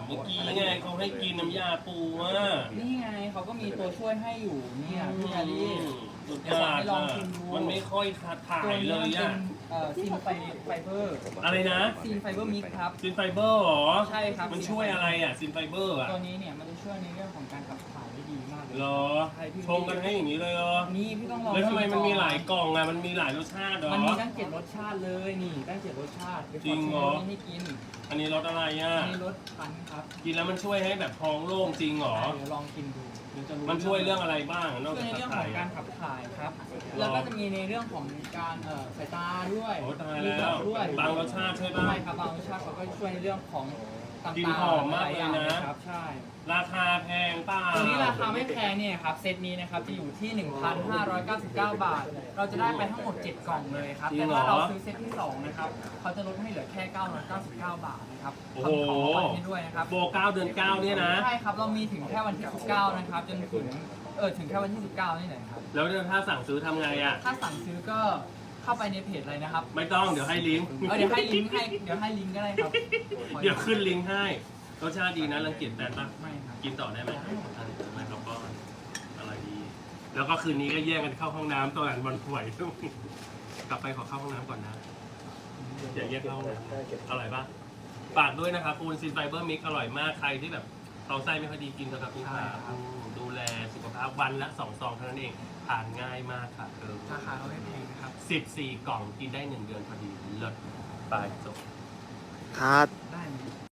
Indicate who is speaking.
Speaker 1: เมื่อกี้ไงเขาให้กินน้ำยาปูอ่ะ
Speaker 2: นี่ไงเขาก็มีตัวช่วยให้อยู่เนี่ยพี่อารี
Speaker 1: สุด
Speaker 2: เดี๋ยวย
Speaker 1: อด
Speaker 2: ให้ลองชิมดู
Speaker 1: มันไม่ค่อยขาดถ่า
Speaker 2: ตัวย นี้
Speaker 1: เล
Speaker 2: มัน
Speaker 1: ย
Speaker 2: เป็
Speaker 1: อ่ะ
Speaker 2: นซีนไฟเบอร์
Speaker 1: อะไรนะ
Speaker 2: ซีนไฟเบอร์มิกครับ
Speaker 1: ซินไฟเบอร์เหรอ
Speaker 2: ใช่ครับ
Speaker 1: มันช่วยอะไรอ่ะซินไฟเบอร์อ่ะ
Speaker 2: ตัวนี้เนี่ยมันจะช่วยในเรื่องของการขับถ่ายได้ดีมากเลย
Speaker 1: เหรอชงกันให้อย่างนี้เลยเหรอ
Speaker 2: นี่พี่ต้องลอง
Speaker 1: แล้วทำไมมันมีหลาย
Speaker 2: ชิ
Speaker 1: กล่องอ่ะมันมีหลายรสชาติเหรอ
Speaker 2: มันมีตั้ง7รสชาติเลยนี่ตั้ง7รสชาติเดี๋ยวข
Speaker 1: จริ
Speaker 2: อง ชิม
Speaker 1: เหรอ
Speaker 2: ตัวนี้ให้กิน
Speaker 1: อันนี้รสอะไรอ่ะ
Speaker 2: อันนี้รสพันธุ์ครับ
Speaker 1: กินแล้วมันช่วยให้แบบท้องโล่งจริงเหรอ
Speaker 2: เดี๋ยวลองกินดูเดี๋ยวจะรู้
Speaker 1: มันช่วยเรื่องอะไรบ้างนอก
Speaker 2: ช่วย
Speaker 1: จาก
Speaker 2: ใน
Speaker 1: ขับ
Speaker 2: เรื่องข
Speaker 1: ถ่า
Speaker 2: อย งการขับถ่ายครับ แล้วก็จะมีในเรื่องของการสายตาด้วย
Speaker 1: โอ้ตาย
Speaker 2: มี
Speaker 1: แล้ว
Speaker 2: ด้วย
Speaker 1: บางรสชาติใช่ป่ะ
Speaker 2: ใช่ครับบางรสชาติเขาก็ช่วยในเรื่องของต่างๆ
Speaker 1: กลิ่นหอมมากเลยนะ
Speaker 2: หาครับใช่
Speaker 1: ราคาแพงเปล่า
Speaker 2: ตัวนี้ราคาไม่แพงเนี่ยครับเซตนี้นะครับจะอยู่ที่ 1,599 บาท เราจะได้ไปทั้งหมด 7 กล่องเลยครับ แต่ถ้าเราซื้อเซตที่ 2 นะครับเขาจะลดให้เหลือแค่ 999 บาทนะครับ
Speaker 1: โอ้โห
Speaker 2: ทำของรางวัลให้ด้วยนะครับ
Speaker 1: โบ9เดือน9เนี่ยนะ
Speaker 2: ใช่ครับเรามีถึงแค่วันที่ 19 นะครับจนถึงถึงแค่วันที่ 19 นี่แหละครับ
Speaker 1: แล้วถ้าสั่งซื้อทำไงอ่ะ
Speaker 2: ถ้าสั่งซื้อก็เข้าไปในเพจเลยนะครับ
Speaker 1: ไม่ต้องเดี๋ยวให้ลิงก์
Speaker 2: เดี๋ยวให้ลิงก์ก็ได้ครับ
Speaker 1: เดี๋ยวขึ้นลิงก์ให้รสชาติดีนะรังเกียจแปดปะ
Speaker 2: ไม่ครับ
Speaker 1: กินต่อได้ไหมไม่ครับป้อนอะไรดี แล้วก็คืนนี้ก็แยกกันเข้าห้องน้ำตอนวันป่วยกลับไปขอเข้าห้องน้ำก่อนนะอย่าแยกเข้าห้องน้ำอร่อยปะฝากด้วยนะครับคูณซินไฟเบอร์มิกอร่อยมากใครที่แบบท้องไส้ไม่ค่อยดีกินกับคุณค่ะดูแลสุขภาพวันละ2 ซองเท่านั้นเองทานง่ายมากค่ะ
Speaker 2: ราคาเขาไม่แพงนะครับ
Speaker 1: 14 กล่องกินได้1 เดือนพอดีเลิศไปจบ
Speaker 3: คัด
Speaker 2: ได้ไหม